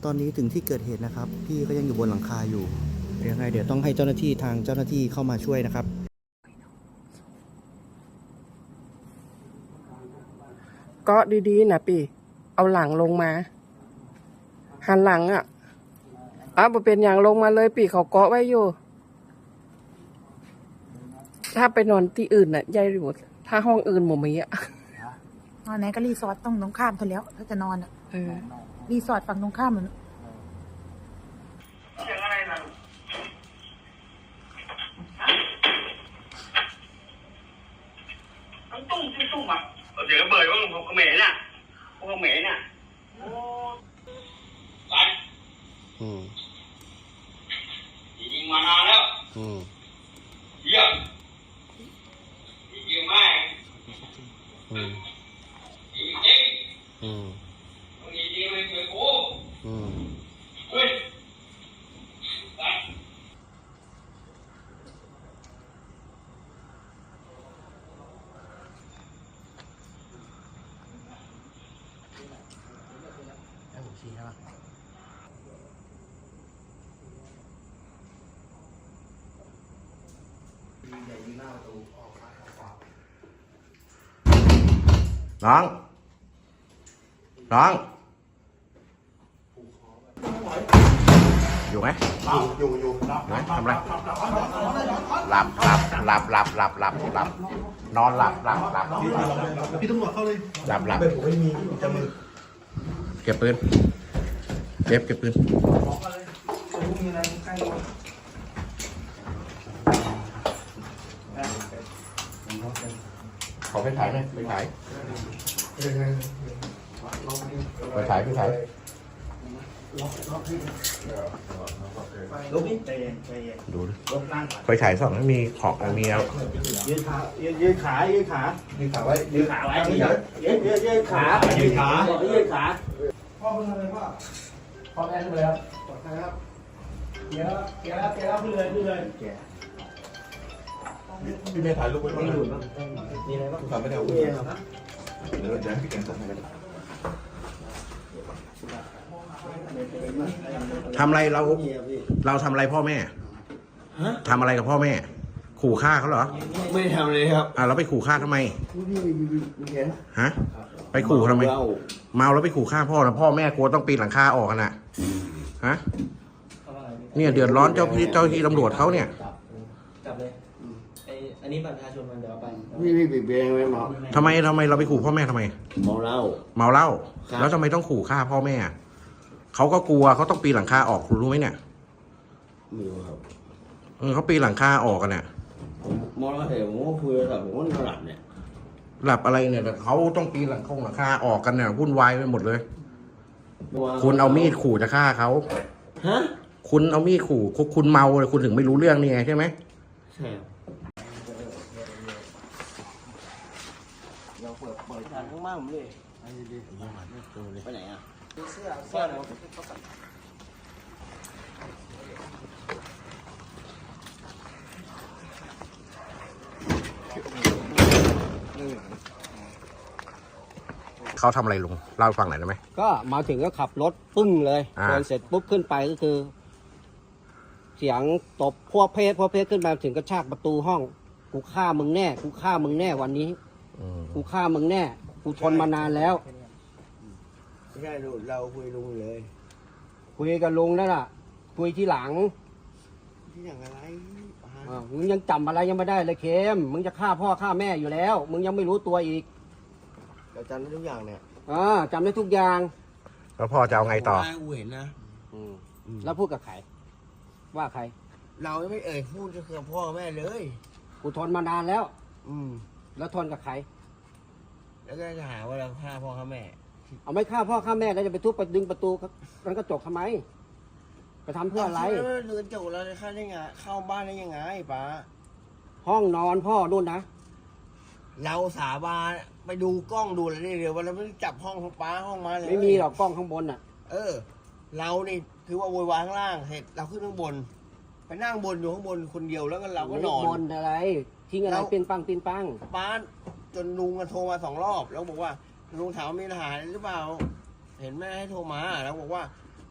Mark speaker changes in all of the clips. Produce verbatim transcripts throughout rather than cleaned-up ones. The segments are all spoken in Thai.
Speaker 1: ตอนนี้ถึงที่เกิดเหตุนะครับพี่ก็ยังอยู่บนหลังคาอยู่เดี๋ยวยังไงเดี๋ยวต้องให้เจ้าหน้าที่ทางเจ้าหน้าที่เข้ามาช่วยนะครับ
Speaker 2: ก็ดีๆนะปีเอาหลังลงมาหันหลังอ่ะอ้าวเป็นอย่างลงมาเลยปีเขาเกาะไว้อยู่ถ้าไปนอนที่อื่นน่ะยายหมดถ้าห้องอื่นหมดมีอ่ะ
Speaker 3: นอนไหนก็รีสอร์ทต้องตรงข้ามเท่าแล้วถ้าจะนอนอ่ะ
Speaker 2: เออ
Speaker 3: รีสอร์ทฝั่งตรงข้ามมัน
Speaker 4: เสียงอะไรล่ะต้องตุ้มตุ้มอ่ะเดี๋ยวเบิร์ดว่าผมเขมรน่ะพวกเขมรน่ะโอ้ไปอืมยิงมานานแล้วอืมเยี่ยมยิงไม่อืมยิงจริงอืมต้องยิงจริงไม่เคยกูอืมเฮ้ย
Speaker 1: น้องน้องอยู่ไหมอยู่อยู่ไหนทำอะไรหลับหลับหลับหลับหลับหลับหลับนอนหลับหลับหลับพี่ตำรวจเข้าเลยหลับหลับผมไม่มีจะมือเก็บปืนเก็บเก็บปืนขอไปถ่ายไหมไปถ่ายไปถ่ายไปถ่ายดูดิไปถ่ายสองไม่มีของมีเอา
Speaker 5: ยืนขายืนขายืนขายืนขาไว้ยืนขาไว้ยืนยืนยืนขายืนขายืนขาพ่อเพิ่งทำอะไรพ่อพ่อแม่ทำอะไรครับปลอดภัยครับเกียร์เกียร์เกียร์ขึ้นเลยขึ้นเลยพี่เมย์ถ่ายรูปไว้บ้างนะมีอะไรบ้างทำไม่ได้เอาเดี๋ยวจะให้พี่แกงส่งให้กัน
Speaker 1: ทำอะไรเราเราทำอะไรพ่อแม่ทำอะไรกับพ่อแม่ขู่ฆ่าเขาเหรอ
Speaker 5: ไม่ทำเลยครับ
Speaker 1: อ่ะเราไปขู่ฆ่าทำไมฮะไปขู่ทำไมเมาแล้วไปขู่ฆ่าพ่อนะพ่อแม่กลัวต้องปีนหลังคาออกกันนะฮะเนี่ยเดือดร้อนเจ้าพี่เจ้าที่ตำรวจเขาเนี่ย
Speaker 5: จับเลยไออันนี้บัตรประชาชนมันเดี๋ยวเอาไปพี่พี่ปิดเบงไว้หมอ
Speaker 1: ทำไมทำไมเราไปขู่พ่อแม่ทำไม
Speaker 5: เมาเหล้า
Speaker 1: เมาเหล้าแล้วทำไมต้องขู่ฆ่าพ่อแม่เขาก็กลัวเขาต้องปีนหลังคาออกคุณรู้ไหมเนี่ย
Speaker 5: ไม่รู้ครับ
Speaker 1: เออเขาปีนหลังคาออกกันเนี่ย
Speaker 5: ผมมองแล้วเห็นผมก็คุยแต่ผมก็นอนหลับเนี่ย
Speaker 1: หลับอะไรเนี่ยแต่เขาต้องปีนหลังคงหลังคาออกกันเนี่ยวุ่นวายไปหมดเลยคุณเอามีดขู่จะฆ่าเขา
Speaker 5: ฮะ
Speaker 1: คุณเอามีดขู่คุณเมาเลยคุณถึงไม่รู้เรื่องนี่ไงใช่ไหม
Speaker 5: ใช่เราเปิดเปิดทางข้างล่างผมเลยไปไหนอ่ะเสื้อเสื้อเรา
Speaker 1: เขาทำอะไรลุงเล่าให้ฟังหน่อยได้ไหม
Speaker 6: ก็มาถึงก็ขับรถปึ้งเลยเดินเสร็จปุ๊บขึ้นไปก็คือ เสียงตบพวกเพศพวกเพศขึ้นมาถึงกระชากประตูห้องกูฆ่ามึงแน่กูฆ่ามึงแน่วันนี้กูฆ่ามึงแน่กูทนมานานแล้ว
Speaker 5: ไม่ใช่ลุงเราคุยลุงเลย
Speaker 6: คุยกับลุงนั่นแหละคุยที่หลัง
Speaker 5: ที่หลังอะไร
Speaker 6: มึงยังจำอะไรยังไม่ได้เลยเคมมึงจะฆ่าพ่อฆ่าแม่อยู่แล้วมึงยังไม่รู้ตัวอีก
Speaker 5: เราจำได้ทุกอย่างเนี่ย
Speaker 6: อ่าจำได้ทุกอย่าง
Speaker 1: แล้วพ่อจะเอาไงต่อ
Speaker 5: กูเห็นนะ
Speaker 6: แล้วพูดกับใครว่าใคร
Speaker 5: เราไม่เอ่ยพูดจะคือพ่อแม่เลย
Speaker 6: กูทนมานานแล้ว
Speaker 5: อืม
Speaker 6: แล้วทนกับใคร
Speaker 5: แล้วก็จะหาว่าเราฆ่าพ่อฆ่าแม่
Speaker 6: เอาไม่ฆ่าพ่อฆ่าแม่แล้วจะไปทุบไปดึงประตูมันก็จบทำไมไปทำเพื่ออะไร
Speaker 5: เดินจบแล้วเข้าได้ไงเข้าบ้านได้ยังไงป้า
Speaker 6: ห้องนอนพ่อนู่นนะ
Speaker 5: เราสาบานไปดูกล้องดูอะไรเดี๋ยววันเราไม่จับห้องของป้าห้องมาเลย
Speaker 6: ไม่มีหรอกกล้องข้างบนน่ะ
Speaker 5: เออเรานี่คือว่าโวยวายข้างล่างเสร็จเราขึ้นข้างบนไปนั่งบนอยู่ข้างบนคนเดียวแล้วก็เราก็นอน
Speaker 6: บนอะไรทิ้งอะไรเป็นปังเป็นปัง
Speaker 5: ป้าจนลุงโทรมาสองรอบแล้วบอกว่าลุงถามมีปัญหาหรือเปล่าเห็นแม่ให้โทรมาแล้วบอกว่า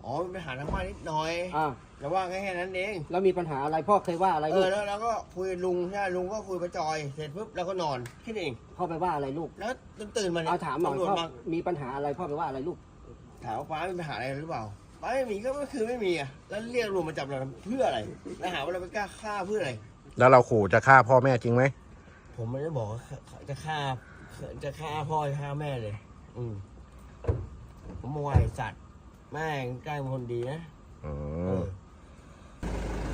Speaker 5: อ๋อมีปัญหาทางบ้านนิดหน่อย
Speaker 6: อ่า
Speaker 5: แต่ว่าแค่นั้นเอง
Speaker 6: แล้วมีปัญหาอะไรพ่อเคยว่าอะไร
Speaker 5: เอ
Speaker 6: ลู
Speaker 5: อก แล้วเราก็คุยกับลุงใช่ลุงก็คุยกับจอยเสร็จปุ๊บเราก็นอนแค่นี้เอง
Speaker 6: พ่อไปว่าอะไรลูก
Speaker 5: แล้วตื่นมาเนี่ย
Speaker 6: เอาถามหน่อย
Speaker 5: ตำรวจ
Speaker 6: พ่อ
Speaker 5: มา
Speaker 6: มีปัญหาอะไรพ่อไปว่าอะไรลูก
Speaker 5: ถามว่าป้ามีปัญหาอะไรหรือเปล่าป้าไม่มีก็ไม่คือไม่มีอ่ะแล้วเรียกลุงมาจับเราเพื่ออะไรแล้วหาว่าเราไปกล้าฆ่าเพื่ออะไร
Speaker 1: แล้วเราขู่จะฆ่าพ่อแม่จริงไหม
Speaker 5: ผมไม่ได้บอกว่าจะฆ่าจะฆ่าพ่อจะฆ่าแม่เลย อืมผมมองไอ้สัตว์แม่งใกล้เป็นคนดีนะ
Speaker 1: อื
Speaker 5: เอ
Speaker 1: ม
Speaker 5: อ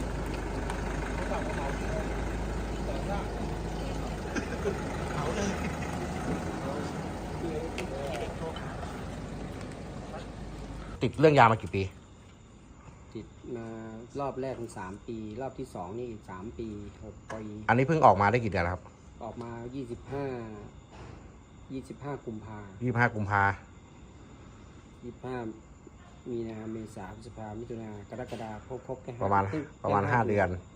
Speaker 1: ติดเรื่องยามากี่ปี
Speaker 6: ติดมารอบแรกมันสามปี รอบที่สองนี่อีกสามปีหกปี
Speaker 1: อันนี้เพิ่งออกมาได้กี่เดือนแล้วครับ
Speaker 6: ออกมายี่สิบห้ายี่สิบห้ากุมภา
Speaker 1: ยี่สิบห้ากุมภา
Speaker 6: ยี่สิบห้ามีนาเมษาพฤษภามิถุนากรกฎาคมครบแค่
Speaker 1: ประมาณ
Speaker 6: คง
Speaker 1: ประมาณ
Speaker 6: แค่
Speaker 1: ห้าเดือน
Speaker 6: ค